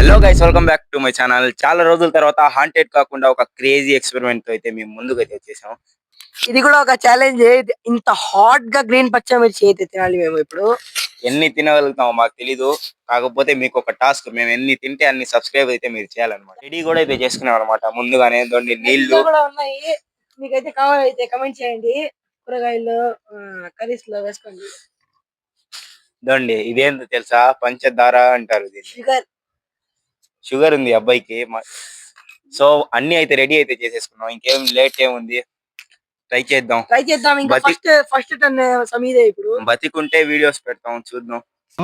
Hello guys, welcome back to my channel. చాలా రోజుల తర్వాత హాంటెడ్ కాకుండా ఒక క్రేజీ ఎక్స్పెరిమెంట్ తో అయితే మేము ముందుకైతే వచ్చేసాం. ఇది కూడా ఒక ఛాలెంజ్. ఇంత హాట్ గా గ్రీన్ పచ్చిమిర్చి అయితే తినాలి మేము ఇప్పుడు. ఎన్ని తినగలుగుతామో మాకు తెలీదు, కాకపోతే మీకు ఒక టాస్క్, మేము ఎన్ని తింటే అన్ని సబ్స్క్రైబ్ అయితే మీరు చేయాలన్నమాట. రెడీ కూడా అయితే చేసుకున్నాం అనమాట. ముందుగానే నీళ్లు కూడా ఉన్నాయి, మీకైతే కావాలైతే కమెంట్ చేయండి. కూరగాయలు కర్రీస్ లో వేసుకోండి. దొండి ఇదేందో తెలుసా, పంచదార అంటారు దీన్ని. షుగర్ ఉంది అబ్బాయికి. సో అన్ని అయితే రెడీ అయితే చేసేసుకున్నాం. ఇంకేం లేట్ ఏముంది, ట్రై చేద్దాం. ఇంకా ఫస్ట్ టర్న్ సమీదే. ఇప్పుడు బతికుంటే వీడియోస్ పెడతాం, చూద్దాం.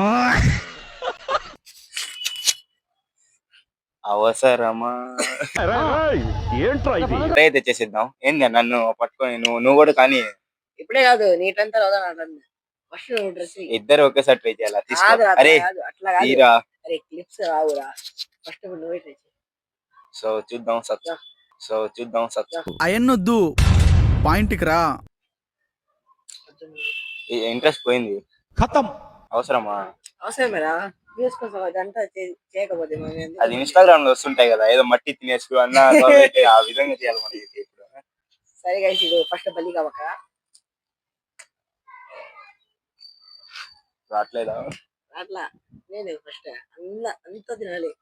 అవసరమా అయితే చేసేద్దాం. ఏంది నన్ను పట్టుకొని నువ్వు కూడా కానీ ఇప్పుడే కాదు, నీటంతా ఇద్దరు ఒకేసారి ట్రై చేయాలా? అరే తీరా, క్లిప్స్ రావురా. ఫస్ట్ నువ్వే ట్రై చేయి. సో చూద్దాం అయన్నొద్దు, పాయింట్ కి రా. ఇంట్రెస్ట్ పోయింది. ఖతం. అవసరమేరా అదంతా చేయకపోతే అది ఇన్స్టాగ్రామ్ లో వస్తుంటాయి కదా, ఏదో మట్టి తినేసు అన్న ఆ విధంగా చేయాలి మనకి. సరే గైస్, ఇది ఫస్ట్ బలి కావక రావట్లేదా? అట్లా నేను ఫస్ట్ అంతా తినాలి.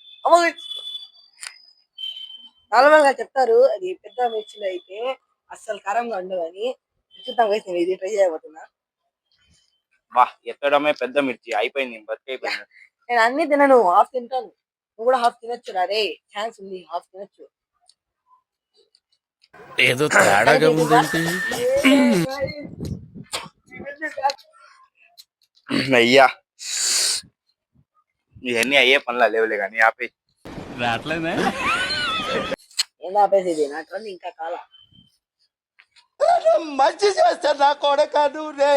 నార్మల్ గా చెప్తారు అది పెద్ద మిర్చిలో అయితే అస్సలు కారంగా ఉండవు అని. చూద్దాం గైస్, నేను ఇది ట్రై చేయబోతున్నా. వా, ఎత్తడమే పెద్ద మిర్చి అయిపోయింది, బతికైపోయింది. నేను అన్ని తినను, హాఫ్ తింటాను. నువ్వు కూడా హాఫ్ తినొచ్చు. రే ఛాన్స్ ఉంది, హాఫ్ తినొచ్చు. ఏదో తేడాగా ఉందేంటి? అయ్యా, ఇవన్నీ అయ్యే పనులు లేవులే కానీ ఆపే. రావట్లేదే. ఏం ఆపేసేది? నా ట్రెండ్ ఇంకా కాల. మంచి చేస్తా నా కొడక నువ్వు.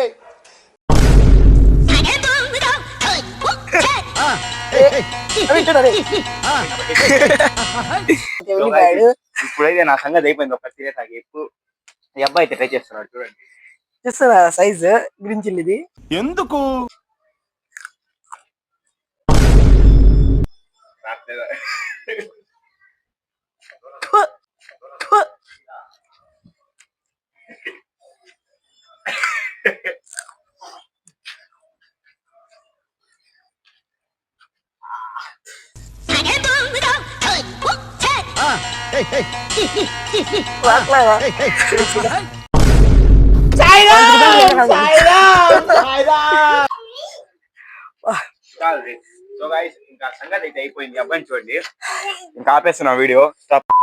ఇప్పుడైతే నా సంగతి అయిపోయింది. ఒక తినేసాకి ఎప్పుడు ఈ అబ్బాయి అయితే ట్రై చేస్తున్నాడు. చూడండి, చూస్తున్నా సైజ్ గ్రీన్ చిల్లీది. ఎందుకు సో గైస్, ఇంకా సంగతి అయితే అయిపోయింది. అబ్బాయిని చూడండి, ఇంకా ఆపేస్తున్నా వీడియో. స్టాప్.